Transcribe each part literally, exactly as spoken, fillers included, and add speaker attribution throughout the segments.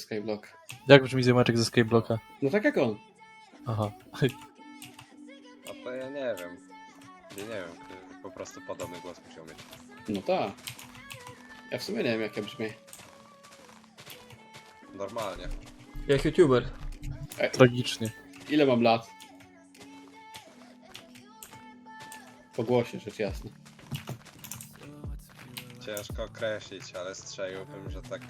Speaker 1: Skyblock.
Speaker 2: Jak brzmi ziomeczek ze Skyblocka?
Speaker 1: No tak jak on.
Speaker 2: Aha.
Speaker 3: No to ja nie wiem. Ja nie wiem, po prostu podobny głos musiał mieć.
Speaker 1: No tak. Ja w sumie nie wiem jak ja brzmię.
Speaker 3: Normalnie.
Speaker 4: Jak youtuber.
Speaker 2: Tragicznie.
Speaker 1: Ile mam lat? Po głosie, rzecz jasna.
Speaker 3: Ciężko określić, ale strzeliłbym, że tak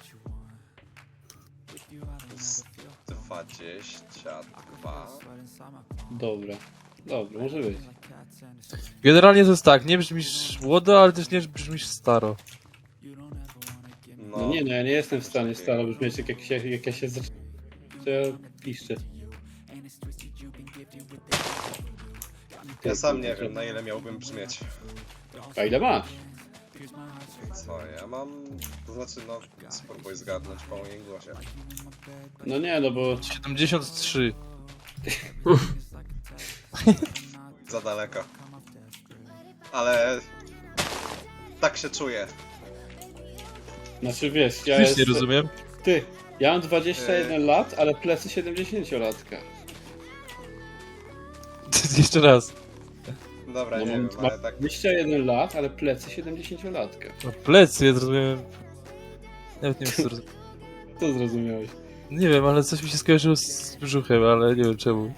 Speaker 3: z dwadzieścia dwa.
Speaker 1: Dobra. Dobra, może być.
Speaker 2: Generalnie to jest tak, nie brzmisz młodo, ale też nie brzmisz staro.
Speaker 3: No,
Speaker 1: No nie no, ja nie jestem w stanie staro brzmieć jak, jak, się, jak ja się zaczynam. To ja piszczę.
Speaker 3: ja sam nie wiem, na ile miałbym brzmieć.
Speaker 1: A ile masz?
Speaker 3: Co ja mam? To znaczy, no, spróbuj zgadnąć po moim głosie.
Speaker 1: No nie, no bo...
Speaker 2: siedemdziesiąt trzy.
Speaker 3: Za daleko. Ale tak się czuję.
Speaker 1: Znaczy wiesz, ja
Speaker 2: Już nie
Speaker 1: jestem...
Speaker 2: rozumiem.
Speaker 1: Ty, ja mam dwadzieścia jeden
Speaker 3: Yy.
Speaker 1: lat, ale plecy siedemdziesięciolatka.
Speaker 2: Jeszcze raz.
Speaker 3: Dobra,
Speaker 1: No
Speaker 3: nie
Speaker 1: mam
Speaker 3: wiem, ale tak...
Speaker 1: dwadzieścia jeden lat, ale plecy siedemdziesięciolatka.
Speaker 2: No plecy, ja zrozumiałem. Nawet nie wiem co zrozumiałem.
Speaker 1: Co zrozumiałeś?
Speaker 2: Nie wiem, ale coś mi się skojarzyło z brzuchem, ale nie wiem czemu.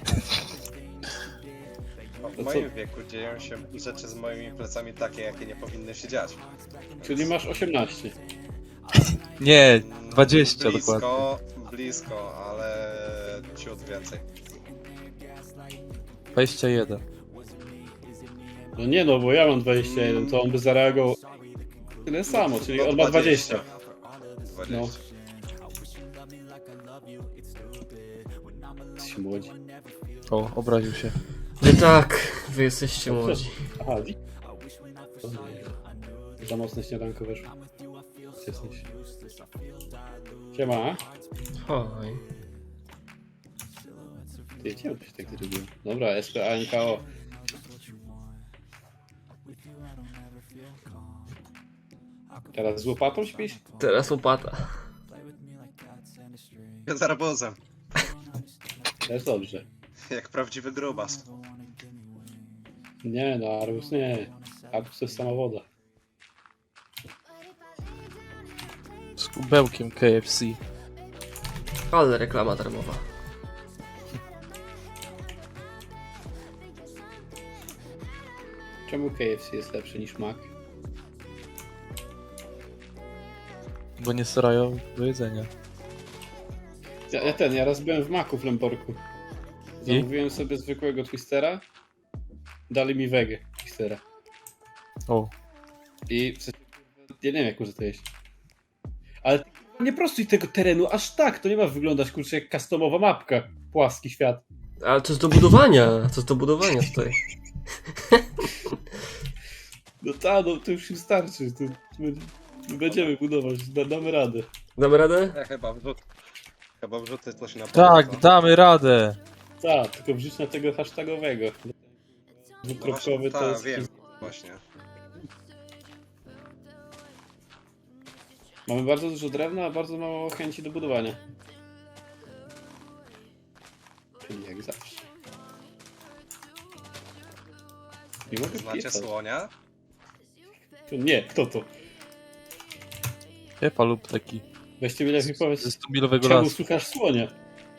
Speaker 3: W
Speaker 1: To
Speaker 3: moim
Speaker 1: co?
Speaker 3: wieku dzieją się rzeczy z moimi plecami takie, jakie nie powinny się dziać.
Speaker 1: Czyli masz osiemnaście.
Speaker 2: Nie, dwadzieścia
Speaker 3: blisko,
Speaker 2: dokładnie.
Speaker 3: Blisko, ale ciut więcej.
Speaker 2: dwadzieścia jeden.
Speaker 1: No nie no, bo ja mam dwadzieścia jeden, to on by zareagował tyle samo, czyli on ma dwadzieścia.
Speaker 3: dwadzieścia.
Speaker 1: No. Jesteś młodzi.
Speaker 2: O, obraził się.
Speaker 4: Wy tak, wy jesteście młodzi.
Speaker 1: Aha, wi... Za mocne śniadanko weszło. Jesteś. Siema.
Speaker 4: Oj.
Speaker 1: Ty, czemu to się tak zrobiło? Dobra, S P A N K O. Teraz z łopatą śpisz?
Speaker 4: Teraz łopata.
Speaker 3: Z arbuzem.
Speaker 1: Też dobrze.
Speaker 3: Jak prawdziwy grubas.
Speaker 1: Nie no, arbuz nie. Arbuz to jest sama woda.
Speaker 2: Z kubełkiem K F C.
Speaker 4: Ale reklama darmowa.
Speaker 1: Czemu K F C jest lepszy niż Mac?
Speaker 2: Bo nie starają do jedzenia.
Speaker 1: Ja, ja ten, ja raz byłem w Macu w Lemborku. Zamówiłem sobie zwykłego twistera. Dali mi wege twistera.
Speaker 2: O.
Speaker 1: I w sensie, ja nie wiem jak może to jeść. Ale nie prostuj tego terenu aż tak, to nie ma wyglądać kurczę jak customowa mapka. Płaski świat.
Speaker 4: Ale to jest do budowania, to jest do budowania tutaj.
Speaker 1: No ta, no to już im starczy. To, to będzie, będziemy budować, da, damy radę.
Speaker 4: Damy radę?
Speaker 3: Ja chyba wrzut... Chyba wrzucę coś na
Speaker 2: Tak,
Speaker 3: pewno.
Speaker 2: damy radę.
Speaker 1: Tak, tylko wrzuć na tego hashtagowego.
Speaker 3: No
Speaker 1: Dwukropkowy
Speaker 3: właśnie,
Speaker 1: to
Speaker 3: ta,
Speaker 1: jest...
Speaker 3: wiem, właśnie.
Speaker 1: Mamy bardzo dużo drewna, a bardzo mało chęci do budowania. Czyli jak zawsze. Nie mogę
Speaker 3: Znacie
Speaker 1: wpisać.
Speaker 3: słonia?
Speaker 1: Nie, kto to?
Speaker 2: Pepa lub taki.
Speaker 1: Weźcie mi lepiej
Speaker 2: Ze
Speaker 1: powiedz,
Speaker 2: stumilowego
Speaker 1: czemu
Speaker 2: lasu.
Speaker 1: słuchasz słonia?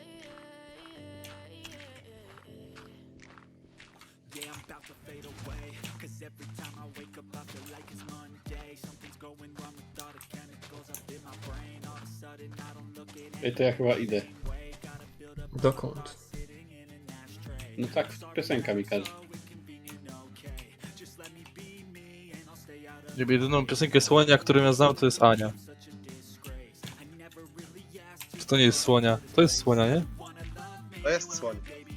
Speaker 1: Ej, to ja chyba idę.
Speaker 4: Dokąd?
Speaker 1: No tak, piosenka mi każe.
Speaker 2: Jedyną piosenkę słonia, którą ja znam, to jest Ania. Czy to nie jest słonia? To jest słonia, nie?
Speaker 3: To jest słoń.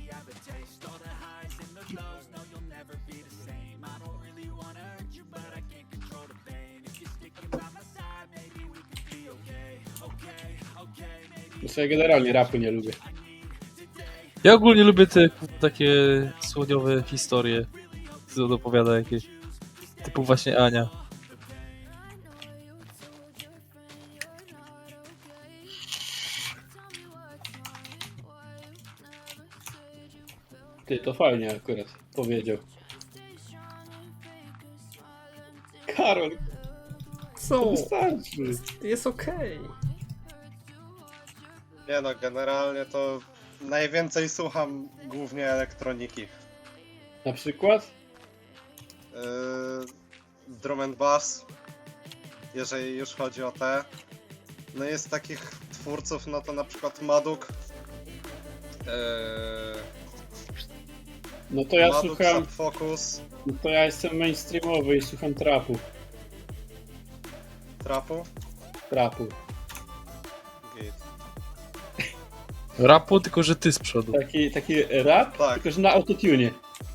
Speaker 1: No sobie generalnie rapu nie lubię.
Speaker 2: Ja ogólnie lubię te takie słoniowe historie, co opowiada jakieś. Typu właśnie Ania.
Speaker 1: Ty, to fajnie akurat powiedział. Karol, to
Speaker 4: Co?
Speaker 1: wystarczy.
Speaker 4: Jest okej.
Speaker 3: Nie no, generalnie to najwięcej słucham głównie elektroniki.
Speaker 1: Na przykład?
Speaker 3: Yy, drum and bass, jeżeli już chodzi o te. No jest takich twórców, no to na przykład Maduk. Yy,
Speaker 1: No to ja
Speaker 3: Maduk,
Speaker 1: słucham,
Speaker 3: Subfocus,
Speaker 1: no to ja jestem mainstreamowy i słucham trapu.
Speaker 3: Trapu.
Speaker 1: Trapu.
Speaker 3: Git.
Speaker 2: Rapu, tylko że ty z przodu.
Speaker 1: Taki, taki rap,
Speaker 3: Tak.
Speaker 1: tylko że na autotune.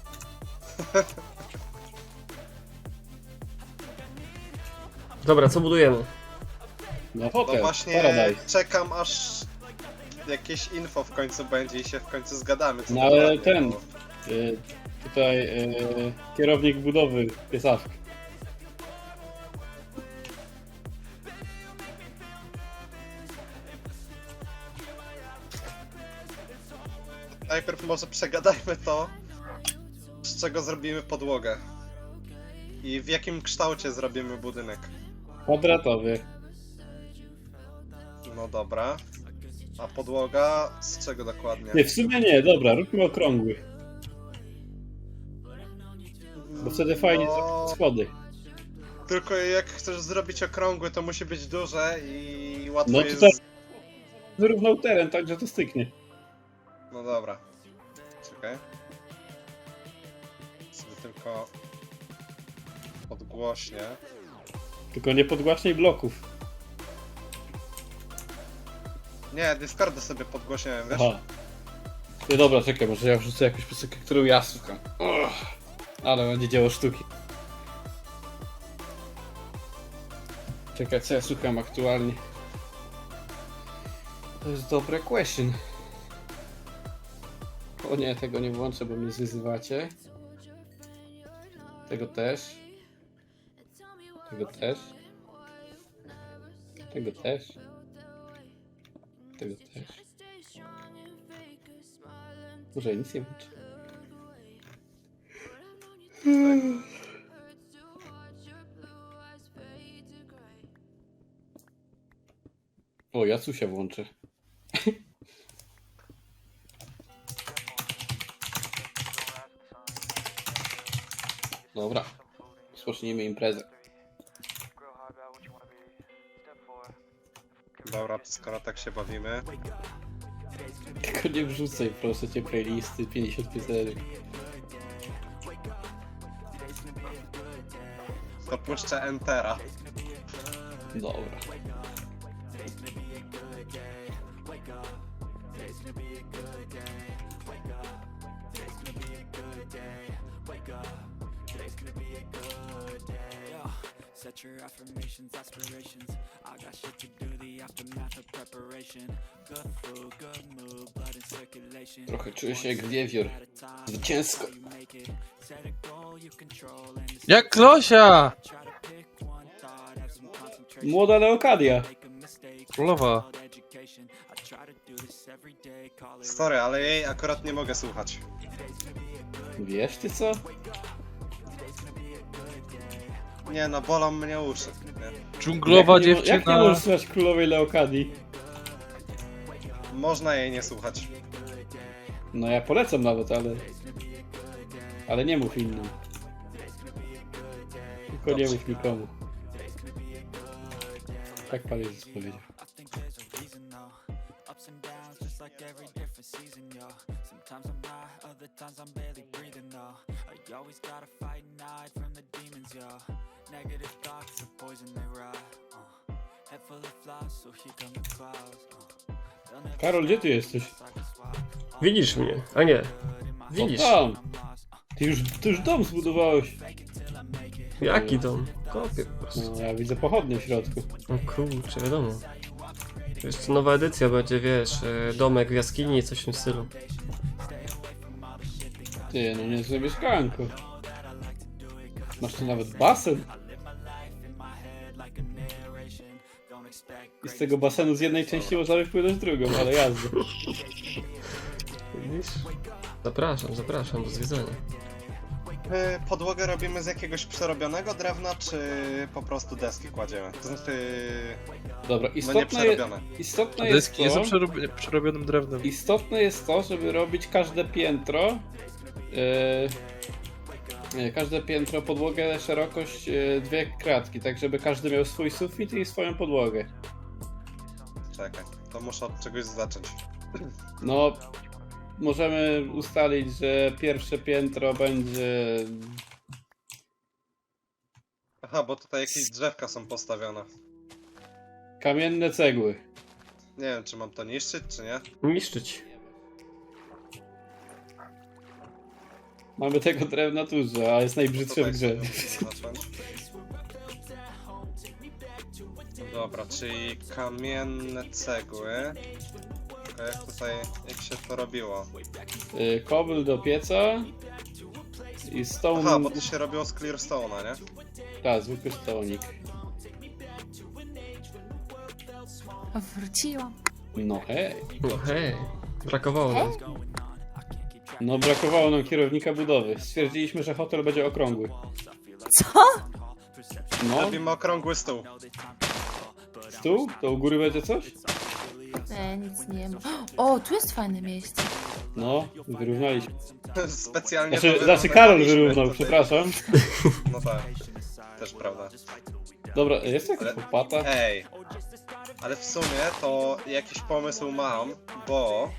Speaker 4: Dobra, co budujemy?
Speaker 1: No
Speaker 3: No
Speaker 1: hotel,
Speaker 3: właśnie
Speaker 1: Paradise.
Speaker 3: czekam aż jakieś info w końcu będzie i się w końcu zgadamy. Co
Speaker 1: No
Speaker 3: to
Speaker 1: ale
Speaker 3: dokładnie,
Speaker 1: ten-
Speaker 3: bo-
Speaker 1: Y, tutaj y, kierownik budowy piesawki.
Speaker 3: Najpierw może przegadajmy to, z czego zrobimy podłogę. I w jakim kształcie zrobimy budynek.
Speaker 1: Kwadratowy.
Speaker 3: No dobra. A podłoga z czego dokładnie?
Speaker 1: Nie, w sumie nie, dobra, róbmy okrągły. Bo wtedy fajnie
Speaker 3: No,
Speaker 1: zrobić schody.
Speaker 3: tylko jak chcesz zrobić okrągły, to musi być duże i łatwo
Speaker 1: No
Speaker 3: jest...
Speaker 1: tutaj wyrównał teren, tak że to styknie.
Speaker 3: No dobra. Czekaj. Sobie tylko odgłośnie.
Speaker 1: Tylko nie podgłaśnij bloków.
Speaker 3: Nie, Discorda sobie podgłośniałem, wiesz?
Speaker 1: Aha. Nie, dobra, czekaj, może ja wrzucę jakąś piosenkę, którą ja słucham. Uch, ale będzie dzieło sztuki. Czekaj, co ja słucham aktualnie? To jest dobre question. O nie, tego nie włączę, bo mnie zwyzywacie. Tego też. Tego też. Tego też. Tego też. Może ja nic nie włączę. O, Jacusia włączę. Dobra. Rozpocznijmy imprezę.
Speaker 3: Dobra, to skoro tak się bawimy.
Speaker 1: Tylko nie wrzucaj, proszę cię, playlisty pięćdziesiąt piosenek.
Speaker 3: To puszczę Entera.
Speaker 1: Dobra.
Speaker 5: Set your affirmations, aspirations. I got shit to do, the aftermath of preparation. Good food, good mood, blood in circulation.
Speaker 1: Trochę czuję się jak wiewiór. Zwycięsko.
Speaker 5: Set a goal you control and just
Speaker 2: Jak Losia!
Speaker 5: try to pick one thought, have some concentration.
Speaker 1: Młoda Leokadia.
Speaker 5: Make a mistake,
Speaker 2: Królowa.
Speaker 5: called education. I try to do this every day, call it
Speaker 3: Sorry, ale jej akurat nie mogę słuchać.
Speaker 1: Wiesz ty co?
Speaker 3: Nie no, bolą mnie uszy. Nie?
Speaker 2: Dżunglowa
Speaker 1: jak nie,
Speaker 2: dziewczyna.
Speaker 1: Jak nie możesz słuchać królowej Leokadii?
Speaker 3: Można jej nie słuchać.
Speaker 1: No ja polecam nawet, ale... Ale nie mów innym. Tylko nie
Speaker 3: Dobrze.
Speaker 1: mów nikomu. Tak Pan Jezus powiedział.
Speaker 5: I think there's a reason though. Ups and downs, just like every different season, yo. Sometimes I'm high, other times I'm barely breathing though. I always gotta fight and hide from the demons, yo. Negative thoughts, the poison they ride. Uh. Head full of flies, so here come the clouds. Uh. They'll never
Speaker 1: Karol, gdzie ty jesteś?
Speaker 5: stop like a swap.
Speaker 4: Widzisz mnie? A nie. Widzisz.
Speaker 1: Tam! Ty już, ty już dom zbudowałeś.
Speaker 4: Jaki dom? Kopię po prostu.
Speaker 1: No, ja widzę pochodnie w środku.
Speaker 4: O kurczę, wiadomo. To jest nowa edycja, będzie, wiesz, e, domek w jaskini, coś w tym stylu.
Speaker 1: Ty, no niezłe mieszkanko. Masz tu nawet basen. I z tego basenu z jednej części można wypłynąć drugą, ale jazda.
Speaker 4: Widzisz? Zapraszam, zapraszam, do zwiedzania.
Speaker 3: Y, Podłogę robimy z jakiegoś przerobionego drewna, czy po prostu deski kładziemy? To znaczy,
Speaker 1: Dobra,
Speaker 3: no nie
Speaker 1: istotne, je,
Speaker 3: przerobione.
Speaker 1: istotne
Speaker 2: A
Speaker 1: jest
Speaker 2: deski nie są
Speaker 1: to...
Speaker 2: przerobi- przerobionym drewnem.
Speaker 1: Istotne jest to, żeby robić każde piętro, yy, nie, każde piętro, podłogę, szerokość yy, dwie kratki, tak żeby każdy miał swój sufit i swoją podłogę.
Speaker 3: Czekaj, to muszę od czegoś zacząć.
Speaker 1: No, możemy ustalić, że pierwsze piętro będzie...
Speaker 3: Aha, bo tutaj jakieś drzewka są postawione.
Speaker 1: Kamienne cegły.
Speaker 3: Nie wiem, czy mam to niszczyć, czy nie.
Speaker 4: Niszczyć.
Speaker 1: Mamy tego drewna dużo, a jest najbrzydsze w
Speaker 3: Tutaj
Speaker 1: grze.
Speaker 3: sobie muszę zacząć. Dobra, czyli kamienne cegły. Tylko jak tutaj, jak się to robiło?
Speaker 1: Yy, Kobyl do pieca i stone...
Speaker 3: Aha, bo to się robiło z clearstone'a, nie?
Speaker 1: Tak, zwykły stołnik.
Speaker 6: Wróciłam.
Speaker 1: No hej.
Speaker 4: No hej, brakowało nam.
Speaker 1: No brakowało nam kierownika budowy. Stwierdziliśmy, że hotel będzie okrągły.
Speaker 6: Co?
Speaker 1: No,
Speaker 3: Robimy okrągły stół.
Speaker 1: stół? To u góry będzie coś?
Speaker 6: Nie, nic nie ma. O, tu jest fajne miejsce.
Speaker 1: No, wyrównaliśmy.
Speaker 3: Specjalnie
Speaker 1: Znaczy,
Speaker 3: to
Speaker 1: znaczy Karol
Speaker 3: wyrównaliśmy
Speaker 1: wyrównał,
Speaker 3: tutaj.
Speaker 1: przepraszam.
Speaker 3: No tak, też prawda.
Speaker 1: Dobra, jest jakaś
Speaker 3: Ale-
Speaker 1: łopata?
Speaker 3: Ej, ale w sumie to jakiś pomysł mam, bo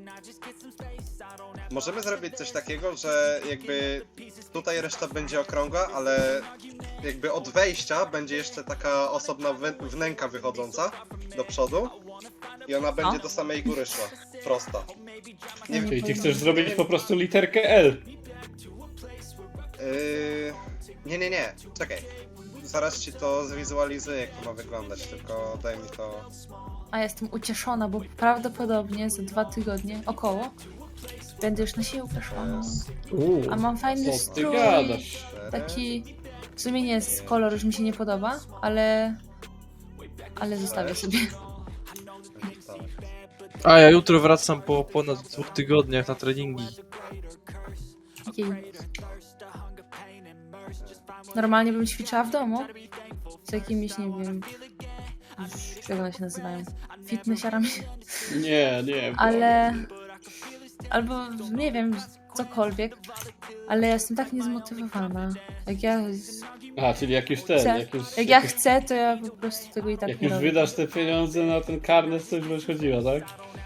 Speaker 3: możemy zrobić coś takiego, że jakby tutaj reszta będzie okrągła, ale jakby od wejścia będzie jeszcze taka osobna wy- wnęka wychodząca do przodu i ona będzie do samej góry szła, prosta. Nie wiem,
Speaker 1: Czyli ty chcesz zrobić po prostu literkę L.
Speaker 3: Yy... Nie, nie, nie, czekaj. Zaraz ci to zwizualizuję, jak to ma wyglądać, tylko daj mi to...
Speaker 6: A jestem ucieszona, bo prawdopodobnie za dwa tygodnie około będę już na siłkę szła. No.
Speaker 4: Uuu,
Speaker 6: A mam fajny
Speaker 1: Co ty
Speaker 6: strój.
Speaker 1: gadasz?
Speaker 6: Taki. W sumie nie jest kolor, już mi się nie podoba, ale. Ale zostawię sobie.
Speaker 2: A ja jutro wracam po ponad dwóch tygodniach na treningi.
Speaker 6: Jej. Normalnie bym ćwiczyła w domu. Z jakimiś, nie wiem. Jak one się nazywają? Fitnessiarami.
Speaker 1: Nie, nie.
Speaker 6: Ale. Albo nie wiem, cokolwiek. Ale ja jestem tak niezmotywowana. Jak ja.
Speaker 1: A, czyli jak już ten,
Speaker 6: Chcę.
Speaker 1: jak już,
Speaker 6: Jak ja
Speaker 1: jak już,
Speaker 6: chcę, to ja po prostu tego i tak
Speaker 1: jak
Speaker 6: nie
Speaker 1: już
Speaker 6: robię.
Speaker 1: wydasz te pieniądze na ten karnet, to już będziesz chodziła, tak?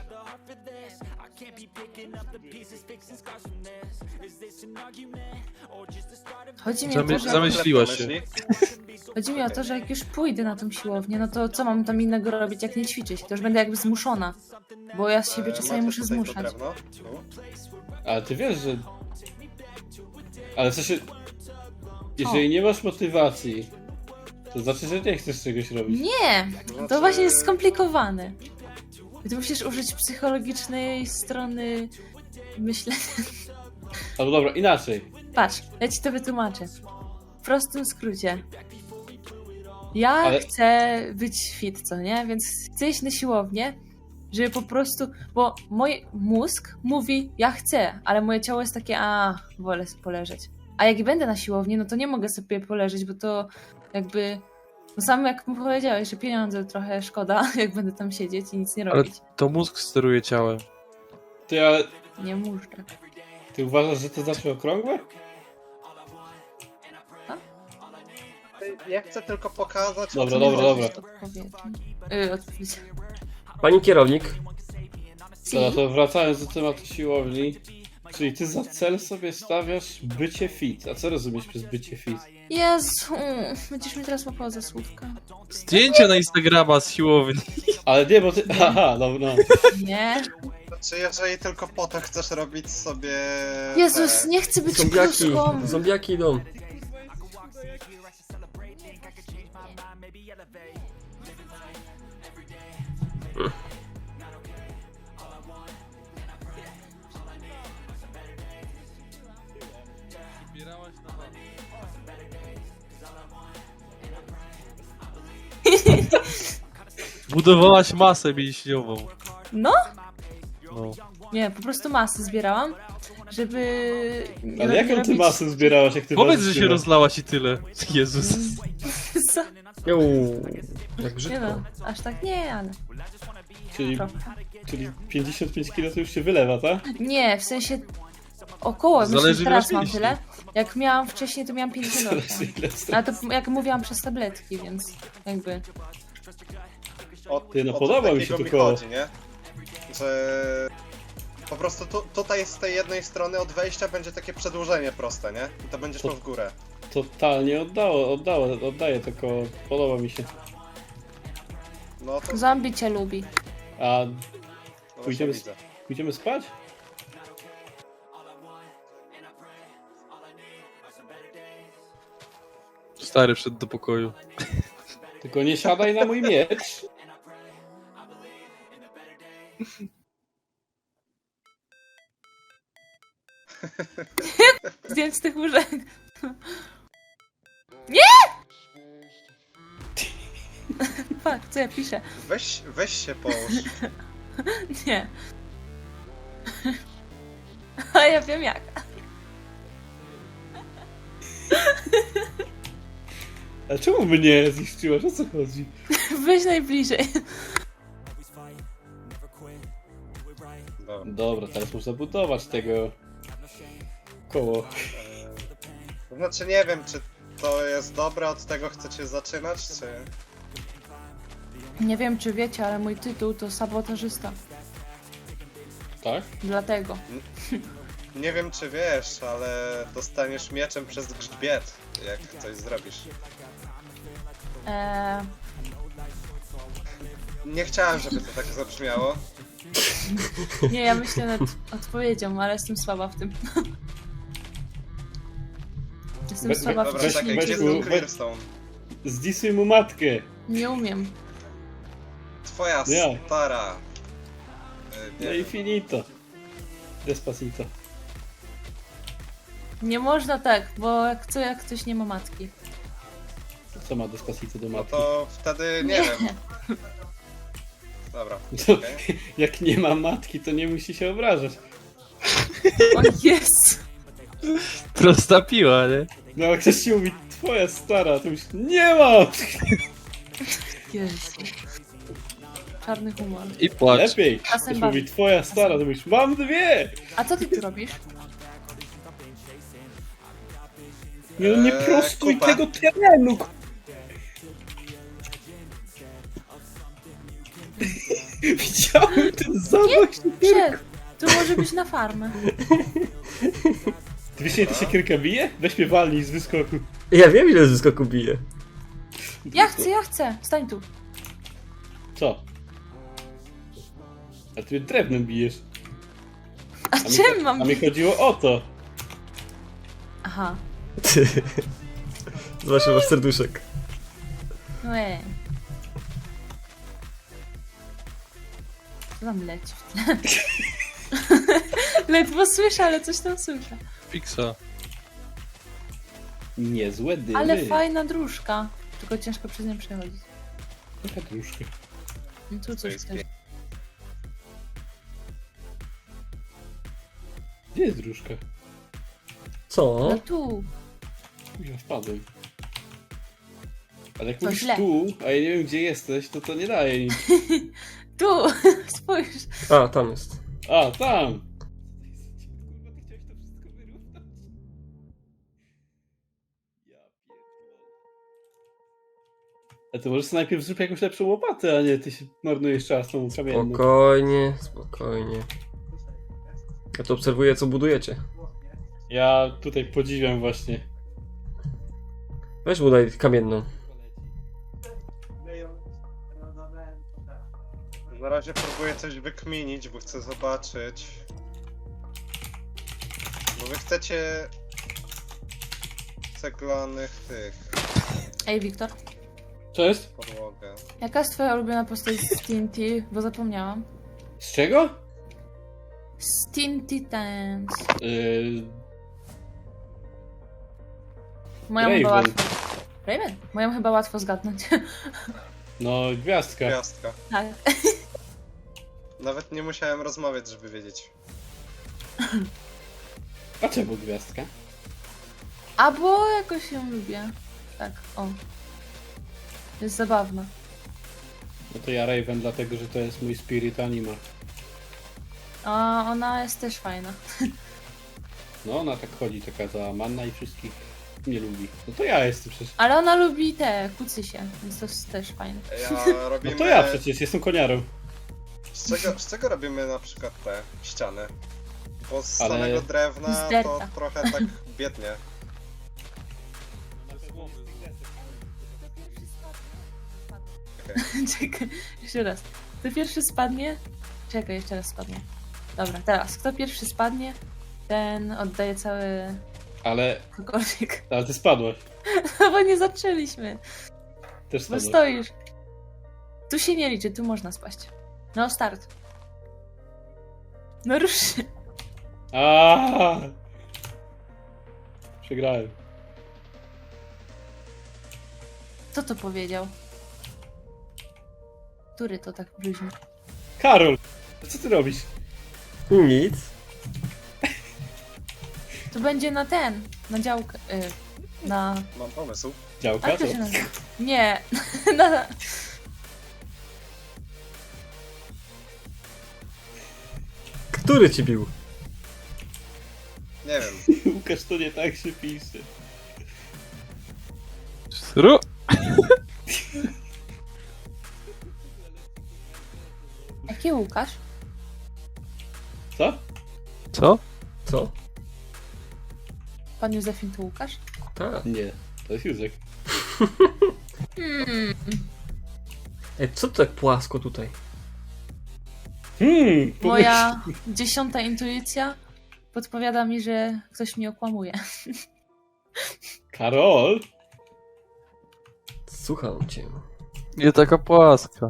Speaker 6: Chodzi mi, o to,
Speaker 2: Zamy-
Speaker 6: że,
Speaker 2: zamyśliłaś się.
Speaker 3: Myśli?
Speaker 6: chodzi mi o to, że jak już pójdę na tą siłownię, no to co mam tam innego robić, jak nie ćwiczyć? To już będę jakby zmuszona. Bo ja z siebie
Speaker 3: E,
Speaker 6: czasami
Speaker 3: macie
Speaker 6: muszę
Speaker 3: tutaj to
Speaker 6: zmuszać.
Speaker 3: drewno? Tu?
Speaker 1: Ale ty wiesz, że... Ale w sensie... Jeżeli nie masz motywacji, to znaczy, że nie chcesz czegoś robić.
Speaker 6: Nie!
Speaker 3: Znaczy-
Speaker 6: To właśnie jest skomplikowane. Ty musisz użyć psychologicznej strony myślenia.
Speaker 1: Albo dobra, inaczej.
Speaker 6: Patrz, ja ci to wytłumaczę. W prostym skrócie. Ja
Speaker 1: Ale-
Speaker 6: chcę być fit, co nie? Więc chcę iść na siłownię, żeby po prostu... Bo mój mózg mówi, ja chcę, ale moje ciało jest takie, a wolę sobie poleżeć. A jak będę na siłowni, no to nie mogę sobie poleżeć, bo to jakby... No sam jak mu powiedziałeś, że pieniądze trochę szkoda, jak będę tam siedzieć i nic nie
Speaker 2: Ale
Speaker 6: robić.
Speaker 2: to mózg steruje ciałem.
Speaker 1: Ty, ale...
Speaker 6: Nie muszę.
Speaker 1: Ty uważasz, że to znaczy okrągłe?
Speaker 3: Ja chcę tylko pokazać... o
Speaker 1: Dobra,
Speaker 3: co
Speaker 1: dobra,
Speaker 3: mi
Speaker 1: dobra.
Speaker 3: chodzi.
Speaker 6: Odpowiedzi. Yy, odpowiedź.
Speaker 4: pani kierownik,
Speaker 1: Dobra, to wracając do tematu siłowni. Czyli ty za cel sobie stawiasz bycie fit. A co rozumiesz przez bycie fit?
Speaker 6: Jezu, będziesz mi teraz łapała za słówka.
Speaker 2: Zdjęcie na Instagrama z siłowni.
Speaker 1: Ale nie, bo ty... Aha, dobra.
Speaker 6: Nie.
Speaker 3: Znaczy, jeżeli tylko po to chcesz robić sobie...
Speaker 6: Jezus,
Speaker 3: te-
Speaker 6: nie chcę być
Speaker 4: zombiaki,
Speaker 6: kluską.
Speaker 4: zombiaki idą.
Speaker 2: Budowałaś masę mięśniową.
Speaker 6: No,
Speaker 2: No.
Speaker 6: Nie, po prostu masy zbierałam, żeby... nie
Speaker 1: Ale jaką ty
Speaker 6: robić-
Speaker 1: masę zbierałaś, jak ty
Speaker 2: Powiedz,
Speaker 1: was
Speaker 2: że się
Speaker 1: zbierasz?
Speaker 2: rozlałaś i tyle. Jezus.
Speaker 6: Co?
Speaker 4: Uuu, jak
Speaker 6: Nie
Speaker 4: brzydko.
Speaker 6: no, aż tak nie, ale
Speaker 1: Czyli,
Speaker 6: trochę.
Speaker 1: czyli pięćdziesiąt pięć kilo to już się wylewa, tak?
Speaker 6: Nie, w sensie około, myślę,
Speaker 2: Zależy,
Speaker 6: że
Speaker 2: ile
Speaker 6: teraz
Speaker 2: masz
Speaker 6: mam
Speaker 2: mięśni.
Speaker 6: tyle. Jak miałam wcześniej, to miałam pięćdziesiąt osiem.
Speaker 1: Ile z-
Speaker 6: Ale to jak mówiłam przez tabletki, więc jakby...
Speaker 3: O,
Speaker 1: Ty, no
Speaker 3: o
Speaker 1: podoba
Speaker 3: to
Speaker 1: mi się
Speaker 3: takiego
Speaker 1: to koło.
Speaker 3: chodzi, nie? Że po prostu tu, tutaj z tej jednej strony od wejścia będzie takie przedłużenie proste, nie? I to będzie szło w górę.
Speaker 1: Totalnie oddało, oddało, oddaję to koło. Podoba mi się.
Speaker 3: No to
Speaker 6: Zombie cię lubi.
Speaker 1: A
Speaker 3: no właśnie
Speaker 1: pójdziemy,
Speaker 3: widzę.
Speaker 1: pójdziemy spać?
Speaker 2: Stary wszedł do pokoju.
Speaker 1: Tylko nie siadaj na mój miecz.
Speaker 6: Zdjąć z tych łóżek. Nie! Fuck, co ja piszę?
Speaker 3: Weź, weź się połóż.
Speaker 6: Nie. A ja wiem jak.
Speaker 1: A czemu mnie zniszczyłaś? O co chodzi?
Speaker 6: Weź najbliżej.
Speaker 3: Dobra.
Speaker 1: Dobra, teraz muszę budować tego koło.
Speaker 3: To znaczy nie wiem, czy to jest dobre, od tego chcecie zaczynać, czy...
Speaker 6: Nie wiem, czy wiecie, ale mój tytuł to sabotażysta.
Speaker 1: Tak?
Speaker 6: Dlatego.
Speaker 3: Nie wiem, czy wiesz, ale dostaniesz mieczem przez grzbiet, jak coś zrobisz.
Speaker 6: Eee,
Speaker 3: Nie chciałem, żeby to tak zabrzmiało.
Speaker 6: nie, ja myślę nad odpowiedzią, ale jestem słaba w tym. Jestem
Speaker 1: We-
Speaker 6: słaba w
Speaker 3: Dobra,
Speaker 1: Weź-
Speaker 3: czekaj,
Speaker 1: weź
Speaker 3: gdzie jest
Speaker 1: mu-
Speaker 3: ten
Speaker 1: weź-
Speaker 3: Clearstone?
Speaker 1: Zdisuj mu matkę.
Speaker 6: Nie umiem.
Speaker 3: Twoja
Speaker 1: Nie.
Speaker 3: stara. Y,
Speaker 1: No
Speaker 3: Nie
Speaker 1: i
Speaker 3: wiem.
Speaker 1: finito. Despacito.
Speaker 6: Nie można tak, bo jak co, jak ktoś nie ma matki.
Speaker 1: Co ma Despacito do
Speaker 3: No
Speaker 1: matki?
Speaker 3: to wtedy nie wiem. Dobra.
Speaker 1: To,
Speaker 3: okej.
Speaker 1: jak nie ma matki, to nie musi się obrażać.
Speaker 6: O jest!
Speaker 2: Prosta piła, nie?
Speaker 1: No jak ktoś ci mówi, twoja stara, to już nie ma!
Speaker 6: Jezu. Czarny humor.
Speaker 2: I płacz.
Speaker 1: Lepiej.
Speaker 6: Czasem
Speaker 1: Ktoś
Speaker 6: bawi.
Speaker 1: mówi, twoja stara, to mówisz, mam dwie!
Speaker 6: A co ty tu robisz?
Speaker 1: Nie, no nie
Speaker 3: Eee,
Speaker 1: prostuj
Speaker 3: kupa.
Speaker 1: tego terenu! ku- Widziałem ten zamach.
Speaker 6: Przed! Tu może być na farmę.
Speaker 1: Ty wiesz, ile to się kierka bije? Weź mnie walnij z wyskoku.
Speaker 4: Ja wiem, ile z wyskoku bije.
Speaker 6: Ja chcę, ja chcę! Stań tu.
Speaker 1: Co? A ty mnie drewnem bijesz.
Speaker 6: A
Speaker 1: A mi,
Speaker 6: czym mam...
Speaker 1: a mi chodziło o to.
Speaker 6: Aha.
Speaker 4: Ty. Zobacz, masz serduszek.
Speaker 6: No ej. Co tam leci w tle? Ledwo słyszę, ale coś tam słyszę.
Speaker 2: Fixa.
Speaker 1: Niezłe dymy.
Speaker 6: Ale fajna dróżka. Tylko ciężko przez nią przechodzić.
Speaker 1: Jaka dróżka?
Speaker 6: No tu
Speaker 3: To
Speaker 6: coś
Speaker 3: jest
Speaker 6: też.
Speaker 1: Gdzie jest dróżka?
Speaker 4: Co?
Speaker 6: No tu.
Speaker 1: Ja wpadłem. Ale jak
Speaker 6: To
Speaker 1: mówisz
Speaker 6: źle.
Speaker 1: tu, a ja nie wiem gdzie jesteś, to to nie daje nic.
Speaker 6: Tu! Spójrz.
Speaker 4: A, tam jest.
Speaker 1: A, tam! A to może sobie najpierw zrób jakąś lepszą łopatę, a nie ty się marnujesz czas tą kamienną.
Speaker 4: Spokojnie, spokojnie. Ja tu obserwuję, co budujecie.
Speaker 1: Ja tutaj podziwiam właśnie.
Speaker 4: Weź budaj kamienną.
Speaker 3: Na razie próbuję coś wykminić, bo chcę zobaczyć. Bo wy chcecie ceglanych tych
Speaker 6: Ej, Wiktor.
Speaker 1: Cześć?
Speaker 3: podłogę.
Speaker 6: Jaka jest twoja ulubiona postać z T N T? Bo zapomniałam.
Speaker 1: Z czego?
Speaker 6: Z T N T Titans.
Speaker 1: Yy,
Speaker 6: Moją chyba
Speaker 1: Raven.
Speaker 6: łatwo... Raven? Moją chyba łatwo zgadnąć.
Speaker 1: no, gwiazdka.
Speaker 3: Gwiazdka.
Speaker 6: Tak.
Speaker 3: Nawet nie musiałem rozmawiać, żeby wiedzieć.
Speaker 1: A czemu gwiazdka?
Speaker 6: A bo jakoś ją lubię. Tak, o. Jest zabawna.
Speaker 1: No to ja Raven, dlatego że to jest mój spirit anima.
Speaker 6: A ona jest też fajna.
Speaker 1: No ona tak chodzi, taka zamanna i wszystkich nie lubi. No to ja jestem przecież.
Speaker 6: Ale ona lubi te kucysie, więc to jest też fajne.
Speaker 3: Ja
Speaker 1: No
Speaker 3: robimy...
Speaker 1: to ja przecież, jestem koniarą.
Speaker 3: Z czego, z czego robimy na przykład te ściany? Bo z
Speaker 1: Ale-
Speaker 3: samego drewna
Speaker 6: Z
Speaker 3: to
Speaker 6: derta.
Speaker 3: trochę tak biednie.
Speaker 6: Czekaj, jeszcze raz. Kto pierwszy spadnie? Czekaj, jeszcze raz spadnie. Dobra, teraz. Kto pierwszy spadnie, ten oddaje cały
Speaker 1: Ale,
Speaker 6: cokolwiek.
Speaker 1: ale ty spadłaś.
Speaker 6: No bo nie zaczęliśmy.
Speaker 1: Też
Speaker 6: Bo
Speaker 1: spadłaś.
Speaker 6: stoisz. Tu się nie liczy, tu można spaść. No, start. No rusz się.
Speaker 1: Aaaa! Przegrałem.
Speaker 6: Kto to powiedział? Który to tak bluźni?
Speaker 1: Karol! Co ty robisz?
Speaker 4: Nic.
Speaker 6: To będzie na ten, na działkę. Y, na.
Speaker 3: Mam pomysł.
Speaker 1: Działka?
Speaker 6: Jak to
Speaker 1: To?
Speaker 6: się nazywa? Nie. na,
Speaker 4: Który ci bił?
Speaker 3: Nie wiem.
Speaker 1: Łukasz, to nie tak się pisze.
Speaker 2: Ru!
Speaker 6: jaki Łukasz?
Speaker 1: Co?
Speaker 2: Co?
Speaker 4: Co?
Speaker 6: Pan Józefin to Łukasz?
Speaker 4: Tak.
Speaker 1: Nie, to jest Józek.
Speaker 6: Hmm.
Speaker 4: Ej, co to tak płasko tutaj?
Speaker 1: Hmm, pomyśl.
Speaker 6: Moja dziesiąta intuicja podpowiada mi, że ktoś mnie okłamuje.
Speaker 1: Karol?
Speaker 4: Słucham cię.
Speaker 2: Nie taka płaska.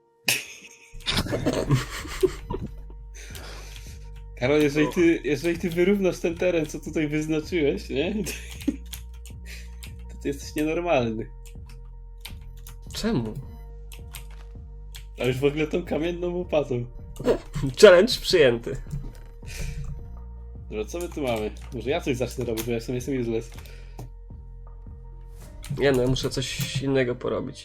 Speaker 1: Karol, jeżeli ty, jeżeli ty wyrównasz ten teren, co tutaj wyznaczyłeś, nie? To ty jesteś nienormalny.
Speaker 4: Czemu?
Speaker 1: A już w ogóle tą kamienną łopatą.
Speaker 4: Challenge przyjęty.
Speaker 1: Dobra, co my tu mamy? Może ja coś zacznę robić, bo ja w sumie jestem useless.
Speaker 4: Nie no, ja muszę coś innego porobić.